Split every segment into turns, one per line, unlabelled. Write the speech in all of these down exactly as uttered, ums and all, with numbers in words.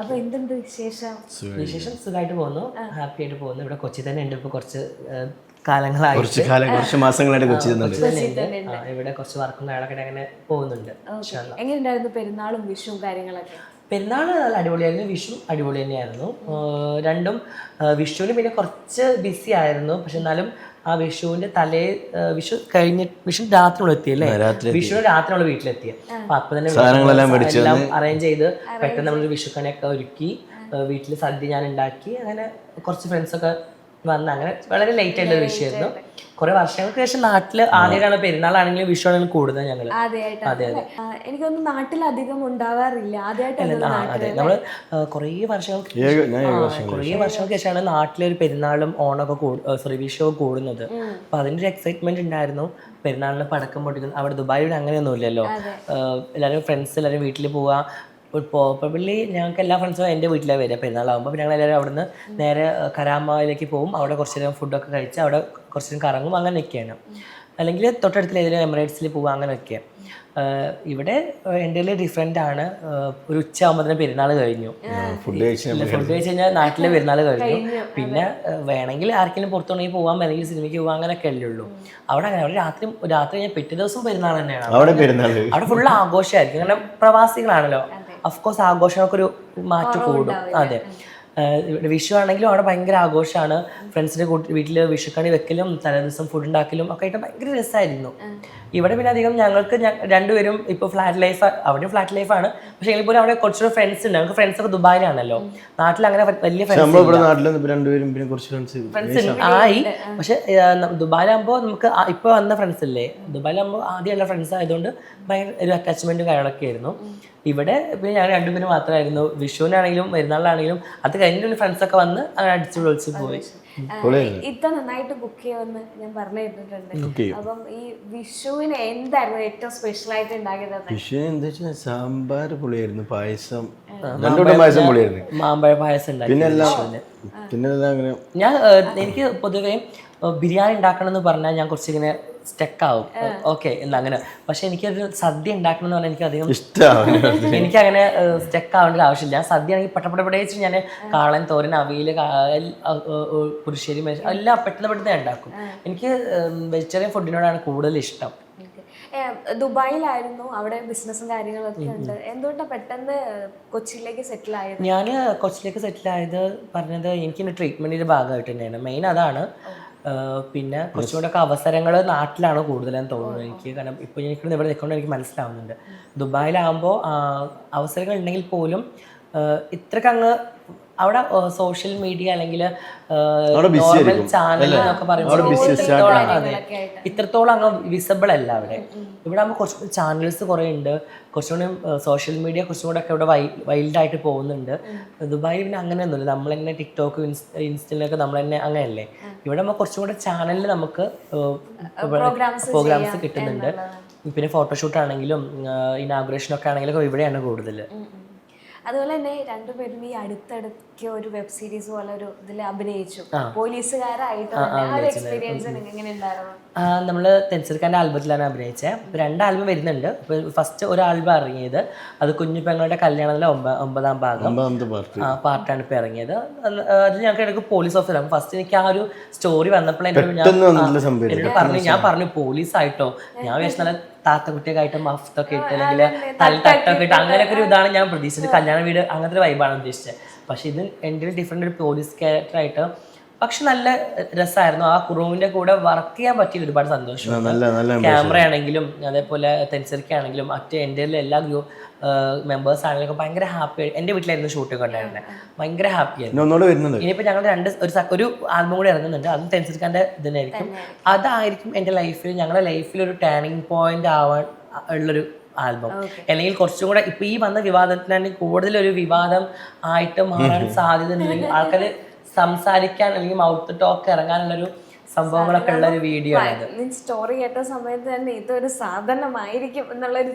അപ്പൊ എന്തുണ്ട് വിശേഷം?
വിശേഷം സുഖമായിട്ട് പോകുന്നു, ഹാപ്പി ആയിട്ട് പോകുന്നു. ഇവിടെ കൊച്ചി തന്നെ ഉണ്ട് ഇപ്പൊ കുറച്ച് കാലങ്ങളായി,
കുറച്ച് കാലം കുറച്ച് മാസങ്ങളായിട്ട് കൊച്ചി
തന്നെ ഇവിടെ കുറച്ച് വർക്കും കാര്യങ്ങളൊക്കെ അങ്ങനെ പോകുന്നുണ്ട്.
എങ്ങനെയുണ്ടായിരുന്നു പെരുന്നാളും വിഷുവും കാര്യങ്ങളൊക്കെ?
പെരുന്നാൾ നല്ല അടിപൊളിയായിരുന്നു, വിഷു അടിപൊളി തന്നെയായിരുന്നു. രണ്ടും വിഷുവിന് പിന്നെ കുറച്ച് ബിസി ആയിരുന്നു, പക്ഷെ എന്നാലും ആ വിഷുവിന്റെ തലേ വിഷു കഴിഞ്ഞ് വിഷു രാത്രി നമ്മൾ എത്തിയല്ലേ, വിഷുവിന് രാത്രി നമ്മൾ വീട്ടിലെത്തിയ അപ്പൊ അപ്പൊ തന്നെ എല്ലാം അറേഞ്ച് ചെയ്ത് പെട്ടെന്ന് നമ്മളൊരു വിഷുക്കണിയൊക്കെ ഒരുക്കി വീട്ടിൽ സദ്യ ഞാൻ ഉണ്ടാക്കി. അങ്ങനെ കുറച്ച് ഫ്രണ്ട്സൊക്കെ വന്ന് അങ്ങനെ വളരെ ലേറ്റ് ആയിട്ടുള്ള ഒരു വിഷയമായിരുന്നു. കുറെ വർഷങ്ങൾക്ക് ശേഷം നാട്ടില് ആദ്യമായിട്ടാണ് പെരുന്നാളാണെങ്കിലും വിഷു ആണെങ്കിലും കൂടുതൽ ഞങ്ങള്. അതെ അതെ
എനിക്കൊന്നും നാട്ടിലധികം ഉണ്ടാവാറില്ല,
അതെ നമ്മള് കുറേ വർഷങ്ങൾക്ക് കുറേ വർഷങ്ങൾക്ക് ശേഷമാണ് നാട്ടിലൊരു പെരുന്നാളും ഓണമൊക്കെ സോറി വിഷു കൂടുന്നത്. അപ്പൊ അതിന്റെ ഒരു എക്സൈറ്റ്മെന്റ് ഉണ്ടായിരുന്നു. പെരുന്നാളിന് പടക്കം പൊട്ടിക്കുന്നു. അവിടെ ദുബായിൽ അങ്ങനെയൊന്നും ഇല്ലല്ലോ, എല്ലാവരും ഫ്രണ്ട്സ് എല്ലാവരും വീട്ടിൽ പോവാ. പ്രോബബ്ലി ഞങ്ങൾക്ക് എല്ലാ ഫ്രണ്ട്സും എൻ്റെ വീട്ടിലാണ് വരിക പെരുന്നാളാകുമ്പോൾ. അപ്പോൾ ഞങ്ങൾ എല്ലാവരും അവിടുന്ന് നേരെ കരാമയിലേക്ക് പോകും. അവിടെ കുറച്ച് നേരം ഫുഡൊക്കെ കഴിച്ച് അവിടെ കുറച്ച് നേരം കറങ്ങും, അങ്ങനെയൊക്കെയാണ്. അല്ലെങ്കിൽ തൊട്ടടുത്തുള്ള ഏതെങ്കിലും എമിറേറ്റ്സിൽ പോകുക, അങ്ങനെയൊക്കെ. ഇവിടെ എൻ്റെ ഡിഫറെൻ്റ് ആണ്. ഒരു ഉച്ച ആകുമ്പോൾ പെരുന്നാൾ കഴിഞ്ഞു, ഫുഡ് കഴിച്ച് ഫുഡ് കഴിച്ച് കഴിഞ്ഞാൽ നാട്ടിലെ പെരുന്നാൾ കഴിഞ്ഞു. പിന്നെ വേണമെങ്കിൽ ആർക്കെങ്കിലും പുറത്തുണ്ടെങ്കിൽ പോകാം, അല്ലെങ്കിൽ സിനിമയ്ക്ക് പോകാം, അങ്ങനെയൊക്കെ അല്ലേ ഉള്ളൂ. അവിടെ അങ്ങനെ അവിടെ രാത്രി രാത്രി കഴിഞ്ഞാൽ പിറ്റേ ദിവസം പെരുന്നാൾ തന്നെയാണ്. അവിടെ ഫുള്ള് ആഘോഷമായിരിക്കും, കാരണം പ്രവാസികളാണല്ലോ. അഫ്കോഴ്സ് ആഘോഷങ്ങൾക്കൊരു മാറ്റം കൂടും. അതെ, വിഷു ആണെങ്കിലും അവിടെ ഭയങ്കര ആഘോഷമാണ്. ഫ്രണ്ട്സിൻ്റെ വീട്ടിൽ വിഷുക്കണി വെക്കലും തലേ ദിവസം ഫുഡ് ഉണ്ടാക്കലും ഒക്കെ ആയിട്ട് ഭയങ്കര രസമായിരുന്നു. ഇവിടെ പിന്നെ അധികം ഞങ്ങൾക്ക് രണ്ടുപേരും ഇപ്പോൾ ഫ്ലാറ്റ് ലൈഫ്, അവിടെ ഫ്ലാറ്റ് ലൈഫാണ്. പക്ഷേ എങ്കിൽ പോലും അവിടെ കുറച്ചുകൂടെ ഫ്രണ്ട്സ് ഉണ്ട്. ഞങ്ങൾക്ക് ഫ്രണ്ട്സ് ഒക്കെ ദുബായിലാണല്ലോ. നാട്ടിൽ അങ്ങനെ വലിയ ഫ്രണ്ട്സ് ആയി. പക്ഷെ ദുബായിലാകുമ്പോൾ നമുക്ക് ഇപ്പോൾ വന്ന ഫ്രണ്ട്സ് അല്ലേ, ദുബായിലാകുമ്പോൾ ആദ്യമുള്ള ഫ്രണ്ട്സ് ആയതുകൊണ്ട് ഭയങ്കര ഒരു അറ്റാച്ച്മെന്റും കാര്യങ്ങളൊക്കെ ആയിരുന്നു. ഇവിടെ പിന്നെ ഞങ്ങൾ രണ്ടുപേരും മാത്രമായിരുന്നു. വിഷുവിനാണെങ്കിലും പെരുന്നാളിനാണെങ്കിലും അത് കഴിഞ്ഞ ഫ്രണ്ട്സ് ഒക്കെ വന്ന് അങ്ങനെ അടിച്ചു പൊളിച്ച് പോയി.
ഇത്ര നന്നായിട്ട് കുക്ക് ചെയ്യുമെന്ന് ഞാൻ പറഞ്ഞു കേട്ടിട്ടുണ്ട്. അപ്പം ഈ വിഷുവിന് എന്തായിരുന്നു ഏറ്റവും സ്പെഷ്യൽ ആയിട്ട് ഉണ്ടാക്കിയത്?
വിഷുവിന് എന്താ വെച്ചാൽ സാമ്പാർ പൊളിയായിരുന്നു, പായസം രണ്ടുകൂടെ പായസം പൊളിയായിരുന്നു,
മാമ്പഴ പായസം ഉണ്ടാക്കി.
പിന്നെ
ഞാൻ എനിക്ക് പൊതുവേ ബിരിയാണി ഉണ്ടാക്കണം എന്ന് പറഞ്ഞാൽ ഞാൻ കുറച്ചിങ്ങനെ സ്റ്റക്കാവും. ഓക്കെ എന്നാ അങ്ങനെ. പക്ഷെ എനിക്കൊരു സദ്യ ഉണ്ടാക്കണം എന്ന് പറഞ്ഞാൽ എനിക്ക് അധികം ഇഷ്ടമാണ്. എനിക്കങ്ങനെ സ്റ്റക്ക് ആവേണ്ട ആവശ്യമില്ല. സദ്യ ആണെങ്കിൽ പെട്ടപ്പെട്ട വെച്ചിട്ട് ഞാൻ കാളൻ, തോരൻ, അവിയൽ, പുരുശ്ശേരി എല്ലാം പെട്ടെന്ന് പെട്ടെന്ന് ഉണ്ടാക്കും. എനിക്ക് വെജിറ്റേറിയൻ ഫുഡിനോടാണ് കൂടുതൽ ഇഷ്ടം.
ദുബായിലായിരുന്നു, അവിടെ ബിസിനസ്സും കാര്യങ്ങളൊക്കെ ഉണ്ട്. എന്തുകൊണ്ടാണ് പെട്ടെന്ന് കൊച്ചിയിലേക്ക് സെറ്റിൽ ആയത്?
ഞാൻ കൊച്ചിയിലേക്ക് സെറ്റിൽ ആയത് പറഞ്ഞത് എനിക്ക് ട്രീറ്റ്മെന്റിന്റെ ഭാഗമായിട്ട് തന്നെയാണ്. മെയിൻ അതാണ്. പിന്നെ കുറച്ചുകൂടെ ഒക്കെ അവസരങ്ങൾ നാട്ടിലാണ് കൂടുതലെന്ന് തോന്നുന്നത് എനിക്ക്. കാരണം ഇപ്പോൾ എനിക്ക് ഇവിടെ നിൽക്കുന്നത് എനിക്ക് മനസ്സിലാവുന്നുണ്ട്. ദുബായിലാകുമ്പോൾ അവസരങ്ങൾ ഉണ്ടെങ്കിൽ പോലും ഇത്രക്ക് അങ്ങ് അവിടെ സോഷ്യൽ മീഡിയ അല്ലെങ്കിൽ നോർമൽ ചാനൽ എന്നൊക്കെ പറയുമ്പോൾ അതെ ഇത്രത്തോളം അങ്ങ് വിസിബിൾ അല്ല അവിടെ. ഇവിടെ ആകുമ്പോൾ കുറച്ചുകൂടി ചാനൽസ് കുറേ ഉണ്ട്, കുറച്ചുകൂടി സോഷ്യൽ മീഡിയ കുറച്ചും കൂടെ ഒക്കെ ഇവിടെ വൈ വൈൽഡായിട്ട് പോകുന്നുണ്ട്. ദുബായിൽ പിന്നെ അങ്ങനെയൊന്നുമില്ല. നമ്മൾ തന്നെ ടിക്ടോക്ക് ഇൻസ്റ്റയിലൊക്കെ നമ്മൾ തന്നെ അങ്ങനെയല്ലേ. ഇവിടെ നമ്മൾ കുറച്ചും കൂടെ ചാനലിൽ നമുക്ക് പ്രോഗ്രാംസ് കിട്ടുന്നുണ്ട്. പിന്നെ ഫോട്ടോഷൂട്ട് ആണെങ്കിലും ഇനാഗുറേഷനൊക്കെ ആണെങ്കിലും ഇവിടെയാണ് കൂടുതൽ.
അതുപോലെ തന്നെ രണ്ടുപേരും ഈ അടുത്തടുക്ക് ഒരു വെബ് സീരീസ് പോലെ ഒരു ഇതിൽ അഭിനയിച്ചു, പോലീസുകാരായിട്ട്. എക്സ്പീരിയൻസ് എങ്ങനെ ഉണ്ടായിരുന്നു?
നമ്മള് തെൻസർക്കാന്റെ ആൽബത്തിലാണ് അഭിനയിച്ചത്. രണ്ട് ആൽബം വരുന്നുണ്ട്. ഫസ്റ്റ് ഒരു ആൽബം ഇറങ്ങിയത് അത് കുഞ്ഞു പെങ്ങളുടെ കല്യാണത്തിലെ ഒമ്പതാം ഭാഗം പാർട്ടാണ് ഇപ്പൊ ഇറങ്ങിയത്. അത് ഞങ്ങൾക്ക് ഇടയ്ക്ക് പോലീസ് ഓഫീസർ. ഫസ്റ്റ് എനിക്ക് ആ ഒരു സ്റ്റോറി വന്നപ്പോൾ എന്നോട് പറഞ്ഞു, ഞാൻ പറഞ്ഞു പോലീസ് ആയിട്ടോ, ഞാൻ വിചാരിച്ച താത്തക്കുട്ടിയൊക്കെ ആയിട്ട് മഫ്തൊക്കെ ഇട്ട് അല്ലെങ്കിൽ തട്ടൊക്കെ ഇട്ട് അങ്ങനെയൊക്കെ ഒരു ഇതാണ് ഞാൻ പ്രതീക്ഷിച്ചത്. കല്യാണ വീട് അങ്ങനത്തെ ഒരു വൈബാണ് ഉദ്ദേശിച്ചത്. പക്ഷെ ഇത് എൻ്റെ ഡിഫറെൻ്റ് ഒരു പോലീസ് ക്യാരക്ടറായിട്ട് പക്ഷെ നല്ല രസമായിരുന്നു. ആ കുറവിന്റെ കൂടെ വർക്ക് ചെയ്യാൻ പറ്റിയ ഒരുപാട് സന്തോഷം. ക്യാമറ ആണെങ്കിലും അതേപോലെ തെൻസറിക്കാണെങ്കിലും മറ്റേ എൻ്റെ എല്ലാ ഗ്രൂപ്പ് മെമ്പേഴ്സ് ആണെങ്കിലും ഭയങ്കര ഹാപ്പി. എൻ്റെ വീട്ടിലായിരുന്നു ഷൂട്ടൊക്കെ ഉണ്ടായിരുന്നത്, ഭയങ്കര ഹാപ്പിയായിരുന്നു. ഇനിയിപ്പോൾ ഞങ്ങൾ രണ്ട് ഒരു ഒരു ആൽബം കൂടി ഇറങ്ങുന്നുണ്ട്, അതും തെൻസറിക്കാൻ്റെ ഇതിനായിരിക്കും. അതായിരിക്കും എൻ്റെ ലൈഫിൽ ഞങ്ങളുടെ ലൈഫിൽ ഒരു ടേണിംഗ് പോയിന്റ് ആവാൻ ഉള്ളൊരു ആൽബം. അല്ലെങ്കിൽ കുറച്ചും കൂടെ ഇപ്പൊ ഈ വന്ന വിവാദത്തിനാണെങ്കിൽ കൂടുതലൊരു വിവാദം ആയിട്ട് മാറാൻ സാധ്യത ഉണ്ടെങ്കിൽ ആൾക്കാർ സംസാരിക്കാൻ അല്ലെങ്കിൽ മൗത്ത് ടോക്ക് ഇറങ്ങാനുള്ളൊരു സംഭവങ്ങളൊക്കെ ഉള്ള ഒരു വീഡിയോ ആണ്.
സ്റ്റോറി കേട്ട സമയത്ത് തന്നെ ഇതൊരു സാധനമായിരിക്കും എന്നുള്ളൊരു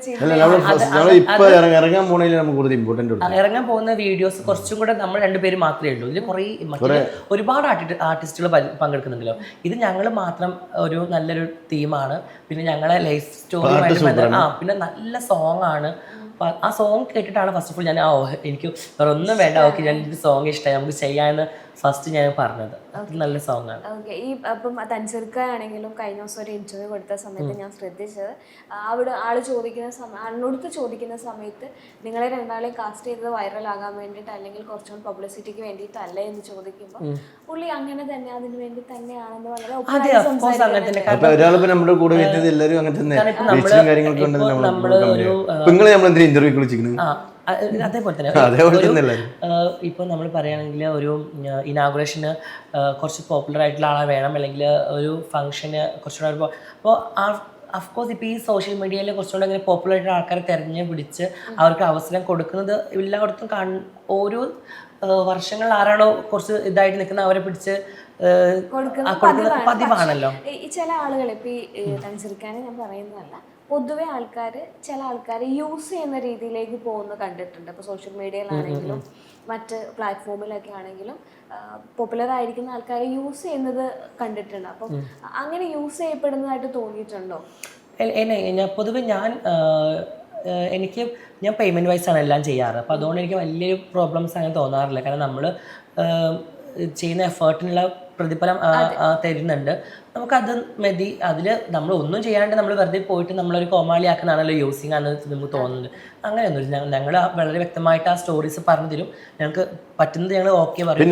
ഇറങ്ങാൻ പോകുന്ന വീഡിയോസ് കുറച്ചും കൂടെ നമ്മൾ രണ്ടുപേരും മാത്രമേ ഉള്ളൂ. ഇതിൽ കുറേ മറ്റേ ഒരുപാട് ആർട്ടിസ്റ്റുകൾ പങ്കെടുക്കുന്നുണ്ടല്ലോ. ഇത് ഞങ്ങൾ മാത്രം ഒരു നല്ലൊരു തീമാണ്. പിന്നെ ഞങ്ങളെ ലൈഫ് സ്റ്റോറി ആ പിന്നെ നല്ല സോങ് ആണ്. അപ്പോൾ ആ സോങ് കേട്ടിട്ടാണ് ഫസ്റ്റ് ഓഫ് ഓൾ ഞാൻ ആ എനിക്ക് വേറെ ഒന്നും വേണ്ട, ഓക്കെ ഞാൻ ഒരു സോങ് ഇഷ്ടമായി നമുക്ക് ചെയ്യാമെന്ന് ഫസ്റ്റ് ഞാൻ പറഞ്ഞത്. അത് നല്ല സോങ് ആണ്.
ഓക്കെ. ഈ അപ്പം തൻസീർക്ക ആണെങ്കിലും കഴിഞ്ഞ ദിവസം ഒരു ഇന്റർവ്യൂ കൊടുത്ത സമയത്ത് ഞാൻ ശ്രദ്ധിച്ചത്, അവിടെ ആള് ചോദിക്കുന്ന സമയം ആളിനോടുത്ത് ചോദിക്കുന്ന സമയത്ത് നിങ്ങളെ രണ്ടാളെയും കാസ്റ്റ് ചെയ്തത് വൈറലാകാൻ വേണ്ടിയിട്ട് അല്ലെങ്കിൽ കുറച്ചുകൂടി പബ്ലിസിറ്റിക്ക് വേണ്ടിയിട്ടല്ല എന്ന് ചോദിക്കുമ്പോൾ പുള്ളി അങ്ങനെ തന്നെ അതിന് വേണ്ടി തന്നെയാണെന്ന് വളരെ
ഒരാളിപ്പോ നമ്മുടെ കൂടെ വരുന്നത് എല്ലാവരും അങ്ങനെ തന്നെ ഇന്റർവ്യൂ വിളിച്ചിരിക്കുന്നത്.
അതേപോലെ തന്നെ ഇപ്പോൾ നമ്മൾ പറയുകയാണെങ്കിൽ ഒരു ഇനാഗുറേഷന് കുറച്ച് പോപ്പുലർ ആയിട്ടുള്ള ആളെ വേണം, അല്ലെങ്കിൽ ഒരു ഫംഗ്ഷന് കുറച്ചുകൂടെ ഒരു അപ്പോൾ ആ അഫ്കോഴ്സ് ഇപ്പോൾ ഈ സോഷ്യൽ മീഡിയയിൽ കുറച്ചുകൂടെ ഇങ്ങനെ പോപ്പുലർ ആയിട്ടുള്ള ആൾക്കാരെ തിരഞ്ഞ് പിടിച്ച് അവർക്ക് അവസരം കൊടുക്കുന്നത് എല്ലായിടത്തും കാൺ ഓരോ വർഷങ്ങൾ ആരാണോ കുറച്ച് ഇതായിട്ട് നിൽക്കുന്ന അവരെ പിടിച്ച് കൊടുക്കുന്നത് പതിവാണല്ലോ.
ഈ ചില ആളുകൾ ഇപ്പോൾ ഈ തൻസീർക്കാനെ ഞാൻ പറയുന്നതല്ല, പൊതുവെ ആൾക്കാർ ചില ആൾക്കാർ യൂസ് ചെയ്യുന്ന രീതിയിലേക്ക് പോകുന്ന കണ്ടിട്ടുണ്ട്. ഇപ്പോൾ സോഷ്യൽ മീഡിയയിലാണെങ്കിലും മറ്റ് പ്ലാറ്റ്ഫോമിലൊക്കെ ആണെങ്കിലും പോപ്പുലർ ആയിരിക്കുന്ന ആൾക്കാരെ യൂസ് ചെയ്യുന്നത് കണ്ടിട്ടുണ്ട്. അപ്പം അങ്ങനെ യൂസ് ചെയ്യപ്പെടുന്നതായിട്ട് തോന്നിയിട്ടുണ്ടോ?
ഞാൻ പൊതുവെ ഞാൻ എനിക്ക് ഞാൻ പേയ്മെൻറ്റ് വൈസാണ് എല്ലാം ചെയ്യാറ്. അപ്പോൾ അതുകൊണ്ട് എനിക്ക് വലിയൊരു പ്രോബ്ലംസ് അങ്ങനെ തോന്നാറില്ല. കാരണം നമ്മൾ ചെയ്യുന്ന എഫേർട്ടിനുള്ള പ്രതിഫലം തരുന്നുണ്ട്, നമുക്കത് മതി. അതിൽ നമ്മൾ ഒന്നും ചെയ്യാണ്ട് നമ്മൾ വെറുതെ പോയിട്ട് നമ്മളൊരു കോമാളിയാക്കുന്നതാണല്ലോ യൂസിങ് ആണെന്ന് നമുക്ക് തോന്നുന്നത്. അങ്ങനെയൊന്നുമില്ല. ഞങ്ങൾ വളരെ വ്യക്തമായിട്ട് ആ സ്റ്റോറീസ് പറഞ്ഞു തരും, ഞങ്ങൾക്ക് പറ്റുന്നത് ഞങ്ങൾ ഓക്കെ പറയും.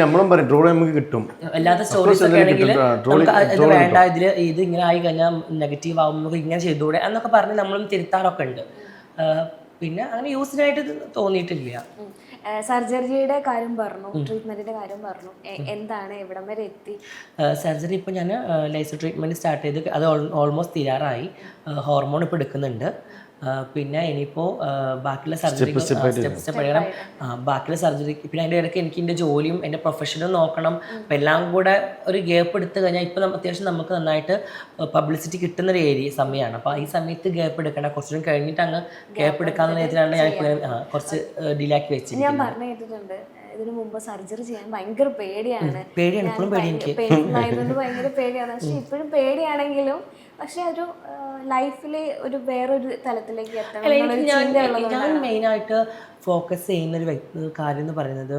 അല്ലാത്ത സ്റ്റോറീസ് ഒക്കെ ആണെങ്കിൽ നമുക്ക് ഇത് വേണ്ട, ഇതിൽ ഇത് ഇങ്ങനെ ആയി കഴിഞ്ഞാൽ നെഗറ്റീവ് ആവും, നമുക്ക് ഇങ്ങനെ ചെയ്തുകൂടെ എന്നൊക്കെ പറഞ്ഞ് നമ്മളും തിരുത്താറൊക്കെ ഉണ്ട്. പിന്നെ അങ്ങനെ യൂസിനായിട്ട് തോന്നിയിട്ടില്ല.
സർജറിയുടെ കാര്യം പറഞ്ഞു, ട്രീറ്റ്മെന്റിന്റെ കാര്യം പറഞ്ഞു, എന്താണ് എവിടം വരെ എത്തി?
സർജറി ഇപ്പോൾ ഞാൻ ലേസർ ട്രീറ്റ്മെന്റ് സ്റ്റാർട്ട് ചെയ്ത് അത് ഓൾമോസ്റ്റ് തീരാറായി. ഹോർമോൺ ഇപ്പോൾ എടുക്കുന്നുണ്ട്. പിന്നെ ഇനിയിപ്പോൾ ബാക്കിയുള്ള സർജറി സ്റ്റെപ്പ് സ്റ്റെപ്പ് എടുക്കണം. ബാക്കിയുള്ള സർജറി പിന്നെ അതിൻ്റെ ഇടയ്ക്ക് എനിക്ക് എൻ്റെ ജോലിയും എൻ്റെ പ്രൊഫഷനും നോക്കണം. അപ്പം എല്ലാം കൂടെ ഒരു ഗ്യാപ്പ് എടുത്തു കഴിഞ്ഞാൽ ഇപ്പോൾ അത്യാവശ്യം നമുക്ക് നന്നായിട്ട് പബ്ലിസിറ്റി കിട്ടുന്നൊരു ഏരിയ സമയമാണ്. അപ്പോൾ ഈ സമയത്ത് ഗ്യാപ്പ് എടുക്കണം, കുറച്ചും കഴിഞ്ഞിട്ട് അങ്ങ് ഗ്യാപ്പ് എടുക്കാമെന്ന രീതിയിലാണ് ഞാൻ കുറച്ച് ഡിലേ ആക്കി വെച്ചത്.
ഞാൻ പറഞ്ഞു കേട്ടിട്ടുണ്ട് ഇതിനു മുമ്പ് സർജറി ചെയ്യാൻ ഭയങ്കര പേടിയാണ്,
പേടിയാണ് ഇപ്പോഴും പേടി എനിക്ക്
ആയതുകൊണ്ട് ഭയങ്കര പേടിയാണ്. പക്ഷെ ഇപ്പോഴും പേടിയാണെങ്കിലും പക്ഷെ ഒരു ലൈഫിലെ ഒരു വേറൊരു തലത്തിലേക്ക് എത്തണം.
ഞാൻ മെയിനായിട്ട് ഫോക്കസ് ചെയ്യുന്നൊരു വ്യക്തി കാര്യം എന്ന് പറയുന്നത്,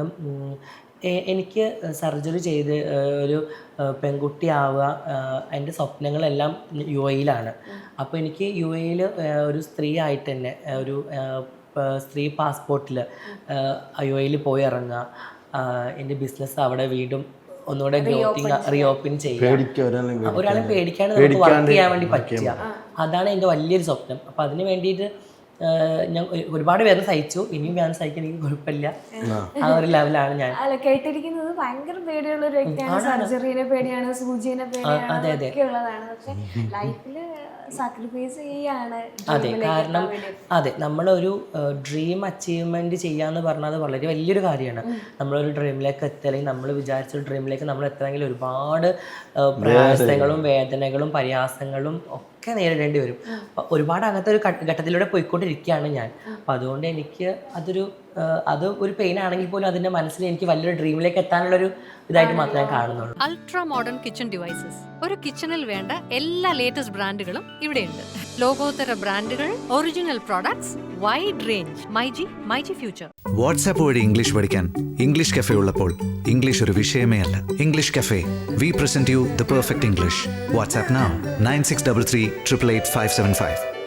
എനിക്ക് സർജറി ചെയ്ത് ഒരു പെൺകുട്ടിയാവുക എൻ്റെ സ്വപ്നങ്ങളെല്ലാം യു എയിലാണ്. അപ്പോൾ എനിക്ക് യു എയിൽ ഒരു സ്ത്രീ ആയിട്ട് തന്നെ ഒരു സ്ത്രീ പാസ്പോർട്ടിൽ യു എയിൽ പോയി ഇറങ്ങുക, എൻ്റെ ബിസിനസ് അവിടെ വീണ്ടും ഒന്നുകൂടെ ഗ്രോത്തിങ് റീഓപ്പൺ ചെയ്യുക, ഒരാളെ പേടിക്കാണ്ട് നമുക്ക് വർക്ക് ചെയ്യാൻ വേണ്ടി പറ്റുക, അതാണ് എൻ്റെ വലിയൊരു സ്വപ്നം. അപ്പം അതിന് വേണ്ടിയിട്ട് ഞാൻ ഒരുപാട് പേര് സഹിച്ചു, ഇനിയും ഞാൻ സഹിക്കാൻ എനിക്ക് കുഴപ്പമില്ല, ആ ഒരു ലെവലാണ് ഞാൻ.
അല്ല, കേട്ടിരിക്കുന്നത് ഭയങ്കര പേടിയുള്ള ഒരു വ്യക്തിയാണ്, സർജറിനെ പേടിയാണ്, സൂചിനെ പേടിയാണ്, ഒക്കെ ഉള്ളതാണ്. പക്ഷെ ലൈഫില് സാക്രിഫൈസ് ചെയ്യാണ്.
അതെ, കാരണം അതെ നമ്മളൊരു ഡ്രീം അച്ചീവ്മെന്റ് ചെയ്യാന്ന് പറഞ്ഞാൽ അത് വളരെ വലിയൊരു കാര്യമാണ്. നമ്മളൊരു ഡ്രീമിലേക്ക് എത്തുക, അല്ലെങ്കിൽ നമ്മൾ വിചാരിച്ച ഡ്രീമിലേക്ക് നമ്മൾ എത്തണമെങ്കിൽ ഒരുപാട് പ്രയാസങ്ങളും വേദനകളും പരിഹാസങ്ങളും ഒക്കെ നേരിടേണ്ടി വരും. അപ്പം ഒരുപാട് അങ്ങനത്തെ ഒരു ഘട്ടത്തിലൂടെ പോയിക്കൊണ്ടിരിക്കുകയാണ് ഞാൻ. അപ്പം അതുകൊണ്ട് എനിക്ക് അതൊരു അത് ഒരു പെയിൻ ആണെങ്കിൽ പോലും അതിന്റെ മനസ്സിൽ എനിക്ക് വലിയൊരു ഡ്രീമിലേക്ക് എത്താനുള്ളൊരു ഇതായിട്ട് മാത്രമേ ഞാൻ കാണുന്നുള്ളൂ.
അൾട്രാ മോഡേൺ കിച്ചൺ ഡിവൈസസ്, ഒരു കിച്ചണിൽ വേണ്ട എല്ലാ ലേറ്റസ്റ്റ് ബ്രാൻഡുകളും ഇവിടെയുണ്ട്. ലോകോത്തര ബ്രാൻഡുകൾ, original products, wide range. MyG myG future.
WhatsApp വഴി ഇംഗ്ലീഷ് പഠിക്കാൻ ഇംഗ്ലീഷ് കഫേ ഉള്ളപ്പോൾ ഇംഗ്ലീഷ് ഒരു വിഷയമേ അല്ല. English cafe, we present you the perfect English. WhatsApp now nine six double three triple eight five seven five.